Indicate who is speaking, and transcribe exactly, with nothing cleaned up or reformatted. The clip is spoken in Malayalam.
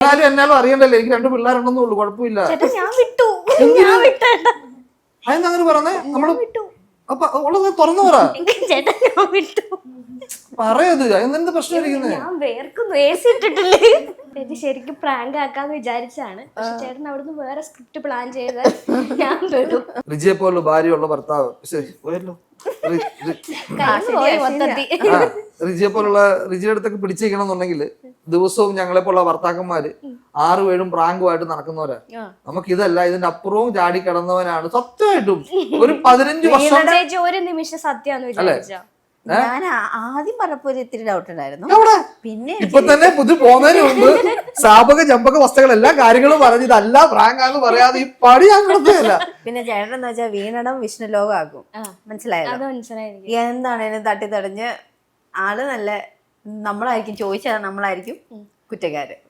Speaker 1: എന്നാലും എന്നാലും അറിയണ്ടല്ലേ, എനിക്ക് രണ്ട് പിള്ളേരുണ്ടെന്നേ ഉള്ളൂ, കുഴപ്പമില്ല.
Speaker 2: ഞാൻ വിട്ടു, ഞാൻ വിട്ടേട്ട.
Speaker 1: അതെന്താ അങ്ങനെ പറഞ്ഞേ? നമ്മള് അപ്പൊ ഉള്ളത് തുറന്നു പറ
Speaker 2: ചേട്ടാ, ഞാൻ വിട്ടു.
Speaker 1: പറയത് എന്തെന്ത് പ്രശ്നം ഇരിക്കുന്നത്?
Speaker 2: ഞാൻ വേർക്കുന്നു, എ സി ഇട്ടിട്ടില്ലേ. ചേച്ചി ശരിക്കും പ്രാങ്ക് ആക്കാന്ന് വിചാരിച്ചാണ്, പക്ഷെ ചേട്ടൻ അവിടുന്ന് വേറെ സ്ക്രിപ്റ്റ് പ്ലാൻ ചെയ്താൽ ഞാൻ വരും.
Speaker 1: റിജിയെ പോലുള്ള ഭാര്യയുള്ള ഭർത്താവ് ശരി പോയല്ലോ. റിജിയെ പോലുള്ള റിജിയുടെ അടുത്തൊക്കെ പിടിച്ചിരിക്കണം എന്നുണ്ടെങ്കിൽ ദിവസവും ഞങ്ങളെ പോലുള്ള ഭർത്താക്കന്മാര് ആറും ഏഴും പ്രാങ്കുമായിട്ട് നടക്കുന്നവരാ. നമുക്ക് ഇതല്ല, ഇതിന്റെ അപ്പുറവും ചാടി കിടന്നവനാണ് സത്യമായിട്ടും. ഒരു പതിനഞ്ച് വർഷം
Speaker 2: ചേച്ചി ഒരു നിമിഷം സത്യാന്ന് വിചാരിച്ചാ.
Speaker 3: ഞാൻ ആദ്യം പറഞ്ഞപ്പോ ഒരു ഇത്തിരി ഡൗട്ട് ഉണ്ടായിരുന്നു. പിന്നെ
Speaker 1: ഇപ്പൊ തന്നെ പുതിയ പോകുന്നതിന് മുമ്പ് സ്ഥാപക ചമ്പക വസ്തുക്കൾ എല്ലാ കാര്യങ്ങളും പറഞ്ഞ് ഇതല്ല പ്രാങ്കാന്ന് പറയാതെ ഈ പടി ഞാൻ കിടത്തില്ല.
Speaker 3: പിന്നെ ചേട്ടൻ എന്ന് വെച്ചാൽ വീണടം വിഷ്ണു ലോകമാക്കും. മനസ്സിലായോ? എന്താണേലും തട്ടി തടഞ്ഞ് ആള് നല്ല നമ്മളായിരിക്കും ചോദിച്ചാൽ നമ്മളായിരിക്കും കുറ്റക്കാര്.